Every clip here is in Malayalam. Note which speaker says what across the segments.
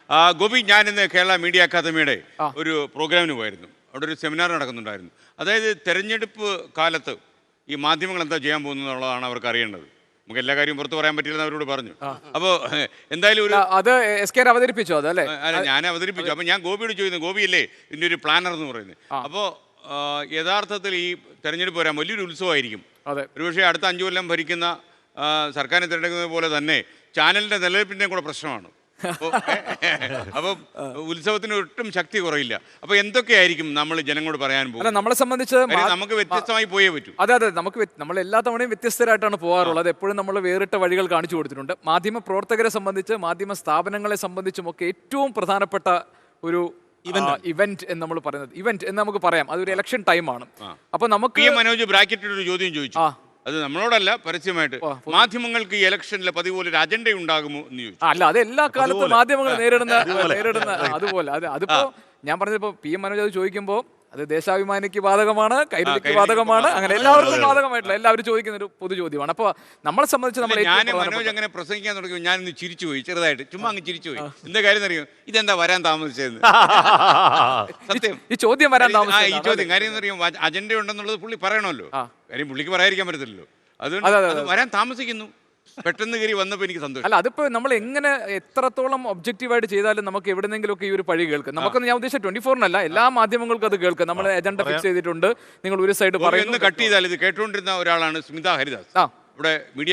Speaker 1: ഗോപി, ഞാൻ ഇന്ന് കേരള മീഡിയ അക്കാദമിയുടെ ഒരു പ്രോഗ്രാമിന് പോയിരുന്നു. അവിടെ ഒരു സെമിനാർ നടക്കുന്നുണ്ടായിരുന്നു. അതായത് തെരഞ്ഞെടുപ്പ് കാലത്ത് ഈ മാധ്യമങ്ങൾ എന്താ ചെയ്യാൻ പോകുന്നത് എന്നുള്ളതാണ് അവർക്ക് അറിയേണ്ടത്. നമുക്ക് എല്ലാ കാര്യവും പുറത്ത് പറയാൻ പറ്റില്ലെന്ന് അവരോട് പറഞ്ഞു. അപ്പോൾ എന്തായാലും ഒരു
Speaker 2: അവതരിപ്പിച്ചു അതല്ലേ?
Speaker 1: അല്ല, ഞാൻ അവതരിപ്പിച്ചു. അപ്പോൾ ഞാൻ ഗോപിയോട് ചോദിക്കുന്നു, ഗോപിയല്ലേ ഇതിൻ്റെ ഒരു പ്ലാനർ എന്ന് പറയുന്നത്. അപ്പോൾ യഥാർത്ഥത്തിൽ ഈ തെരഞ്ഞെടുപ്പ് വരാൻ വലിയൊരു ഉത്സവമായിരിക്കും. ഒരുപക്ഷെ അടുത്ത 5 കൊല്ലം ഭരിക്കുന്ന സർക്കാരിനെ തിരഞ്ഞെടുക്കുന്നത് പോലെ തന്നെ ചാനലിൻ്റെ നിലനിൽപ്പിൻ്റെ കൂടെ പ്രശ്നമാണ്. അപ്പം ഉത്സവത്തിന് ഒട്ടും ശക്തി കുറയില്ല. അപ്പൊ എന്തൊക്കെയായിരിക്കും നമ്മൾ ജനങ്ങളോട് പറയാൻ പോകുന്നത്?
Speaker 2: നമ്മളെ സംബന്ധിച്ച്
Speaker 1: നമുക്ക് വ്യത്യസ്തമായി പോയേ പറ്റൂ.
Speaker 2: അതെ, നമ്മൾ എല്ലാ തവണയും വ്യത്യസ്തരായിട്ടാണ് പോകാറുള്ളത്. എപ്പോഴും നമ്മൾ വേറിട്ട വഴികൾ കാണിച്ചു കൊടുത്തിട്ടുണ്ട്. മാധ്യമ പ്രവർത്തകരെ സംബന്ധിച്ച്, മാധ്യമ സ്ഥാപനങ്ങളെ സംബന്ധിച്ചും ഒക്കെ ഏറ്റവും പ്രധാനപ്പെട്ട ഒരു ഇവന്റ് എന്ന് നമ്മൾ പറയുന്നത്, ഇവന്റ് എന്ന് നമുക്ക് പറയാം, അതൊരു ഇലക്ഷൻ ടൈമാണ്. അപ്പൊ നമുക്ക്
Speaker 1: മനോജ് ബ്രാക്കറ്റിൽ ഒരു ചോദ്യം ചോദിച്ചു. അത് നമ്മളോടല്ല, പരസ്യമായിട്ട്. മാധ്യമങ്ങൾക്ക് ഈ ഇലക്ഷനിലെ പതിവ് പോലെ ഒരു അജണ്ട ഉണ്ടാകുമോ എന്ന് ചോദിച്ചു.
Speaker 2: അല്ല, അത് എല്ലാ കാലത്തും മാധ്യമങ്ങൾ നേരിടുന്ന അതുപോലെ. അതിപ്പോ ഞാൻ പറഞ്ഞപ്പോ PM മനോജ് അത് ചോദിക്കുമ്പോൾ അത് ദേശാഭിമാനിക്ക് ബാധകമാണ്, കൈരളിക്ക് ബാധകമാണ്, അങ്ങനെ എല്ലാവർക്കും ബാധകമായിട്ടുള്ള എല്ലാവരും ചോദിക്കുന്ന ഒരു പൊതു ചോദ്യമാണ്. അപ്പൊ നമ്മളെ സംബന്ധിച്ച്
Speaker 1: മനോജ് അങ്ങനെ പ്രസംഗിക്കാൻ തുടങ്ങി, ഞാൻ ഇന്ന് ചിരിച്ചുപോയി, ചെറുതായിട്ട് ചുമ്മാ അങ്ങ് ചിരിച്ചുപോയി. എന്താ കാര്യം അറിയോ? ഇതെന്താ വരാൻ താമസിച്ചതെന്ന്. സത്യം,
Speaker 2: ഈ ചോദ്യം വരാൻ താമസിച്ചത്.
Speaker 1: ഈ ചോദ്യം കാര്യം അറിയോ? അജണ്ട ഉണ്ടെന്നുള്ളത് പുള്ളി പറയണമല്ലോ. കാര്യം പുള്ളിക്ക് പറയാതിരിക്കാൻ പറ്റത്തില്ലല്ലോ. അതുകൊണ്ട് വരാൻ താമസിക്കുന്നു. പെട്ടെന്ന് കയറി വന്നപ്പോൾ എനിക്ക് സന്തോഷം.
Speaker 2: അല്ല, അതിപ്പോ നമ്മൾ എങ്ങനെ എത്രത്തോളം ഒബ്ജക്റ്റീവായിട്ട് ചെയ്താലും നമുക്ക് എവിടെന്നെങ്കിലും ഒക്കെ ഈ ഒരു പഴി കേൾക്കും. നമുക്കൊന്ന്, ഞാൻ ഉദ്ദേശിച്ച 24-നല്ല, എല്ലാ മാധ്യമങ്ങൾക്കും അത് കേൾക്കും. നമ്മൾ അജണ്ട ഫിക്സ് ചെയ്തിട്ടുണ്ട്, നിങ്ങൾ ഒരു സൈഡ് പറയുന്നു.
Speaker 1: കട്ട് ചെയ്താൽ ഇത് കേട്ടുകൊണ്ടിരുന്ന ഒരാളാണ് സ്മിത ഹരിദാസ്. ഇവിടെ മീഡിയ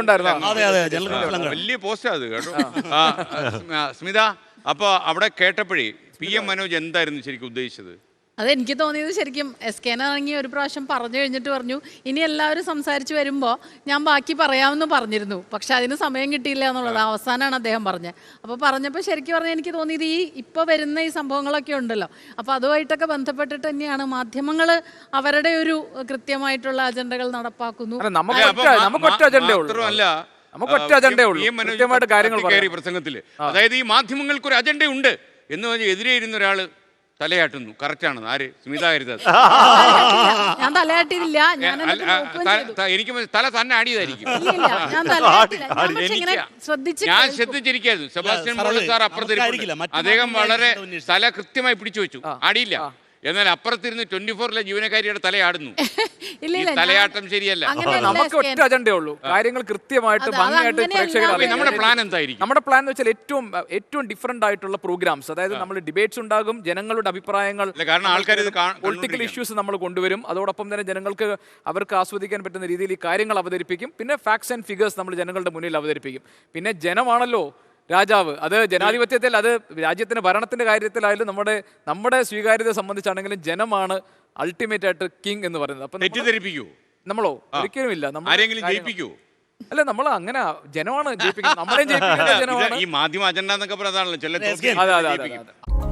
Speaker 1: വലിയ പോസ്റ്റാ അത് കേട്ടോ. സ്മിത, അപ്പോൾ അവിടെ കേട്ടപ്പോഴേ PM മനോജ് എന്തായിരുന്നു ശരിക്കും ഉദ്ദേശിച്ചത്?
Speaker 3: അതെനിക്ക് തോന്നിയത്, ശരിക്കും SKനാണെങ്കിൽ ഒരു പ്രാവശ്യം പറഞ്ഞു കഴിഞ്ഞിട്ട് പറഞ്ഞു, ഇനി എല്ലാവരും സംസാരിച്ച് വരുമ്പോൾ ഞാൻ ബാക്കി പറയാമെന്ന് പറഞ്ഞിരുന്നു, പക്ഷെ അതിന് സമയം കിട്ടിയില്ല എന്നുള്ളത് അവസാനമാണ് അദ്ദേഹം പറഞ്ഞത്. അപ്പോൾ പറഞ്ഞപ്പോൾ ശരിക്കും പറഞ്ഞാൽ എനിക്ക് തോന്നിയത് ഇപ്പോൾ വരുന്ന ഈ സംഭവങ്ങളൊക്കെ ഉണ്ടല്ലോ, അപ്പോൾ അതുമായിട്ടൊക്കെ ബന്ധപ്പെട്ടിട്ട് തന്നെയാണ് മാധ്യമങ്ങൾ അവരുടെ ഒരു കൃത്യമായിട്ടുള്ള അജണ്ടകൾ നടപ്പാക്കുന്നു.
Speaker 1: പ്രസംഗത്തില് അതായത് ഈ മാധ്യമങ്ങൾക്ക് ഒരു അജണ്ട ഉണ്ട് എന്ന് പറഞ്ഞ് എതിരെ ഇരുന്ന ഒരാള് തലയാട്ടുന്നു. കറക്റ്റാണ്. ആര്? സ്മിത ഹരിദാസ്.
Speaker 3: ഞാൻ തലയാട്ടിയില്ല,
Speaker 1: എനിക്ക് തല തന്നെ ആടിയതായിരിക്കും.
Speaker 3: ഞാൻ
Speaker 1: ശ്രദ്ധിച്ചിരിക്കുന്നു. സെബാസ്റ്റ്യൻ പോൾ സാർ അപ്പുറത്തിരിക്കും. അദ്ദേഹം വളരെ തല കൃത്യമായി പിടിച്ചു വെച്ചു, ആടിയില്ല. എന്നാൽ അപ്പുറത്തിരുന്ന് 24-ലെ ജീവനക്കാരിയുടെ തലയാടുന്നു. തലയാട്ടം ശരിയല്ല.
Speaker 2: നമുക്ക് ഒറ്റ അജണ്ടേ ഉള്ളൂ, കാര്യങ്ങൾ കൃത്യമായിട്ട് ഭംഗിയായിട്ട് പ്രേക്ഷകർ.
Speaker 1: നമ്മുടെ പ്ലാൻ എന്തായിരിക്കും?
Speaker 2: നമ്മുടെ പ്ലാൻ എന്ന് വെച്ചാൽ ഏറ്റവും ഡിഫറെന്റ് ആയിട്ടുള്ള പ്രോഗ്രാംസ്, അതായത് നമ്മൾ ഡിബേറ്റ്സ് ഉണ്ടാകും, ജനങ്ങളുടെ അഭിപ്രായങ്ങൾ, പൊളിറ്റിക്കൽ ഇഷ്യൂസ് നമ്മൾ കൊണ്ടുവരും. അതോടൊപ്പം തന്നെ ജനങ്ങൾക്ക് അവർക്ക് ആസ്വദിക്കാൻ പറ്റുന്ന രീതിയിൽ ഈ കാര്യങ്ങൾ അവതരിപ്പിക്കും. പിന്നെ ഫാക്ട്സ് ആൻഡ് ഫിഗേഴ്സ് നമ്മൾ ജനങ്ങളുടെ മുന്നിൽ അവതരിപ്പിക്കും. പിന്നെ ജനമാണല്ലോ രാജാവ്. അത് ജനാധിപത്യത്തിൽ, അത് രാജ്യത്തിന്റെ ഭരണത്തിന്റെ കാര്യത്തിലായാലും നമ്മുടെ സ്വീകാര്യതയെ സംബന്ധിച്ചാണെങ്കിലും ജനമാണ് അൾട്ടിമേറ്റ് ആയിട്ട് കിങ് എന്ന് പറയുന്നത്. അപ്പൊ നമ്മളോ ഒരിക്കലും ഇല്ല. അല്ല, നമ്മൾ അങ്ങനെ ജനമാണ് ജയിപ്പിക്കുന്നത്, നമ്മളെയും ജയിപ്പിക്കുന്നത് ജനമാണ്.
Speaker 1: ഈ മാധ്യമ അജണ്ട എന്നൊക്കെ പറയുന്നതാണല്ലോ.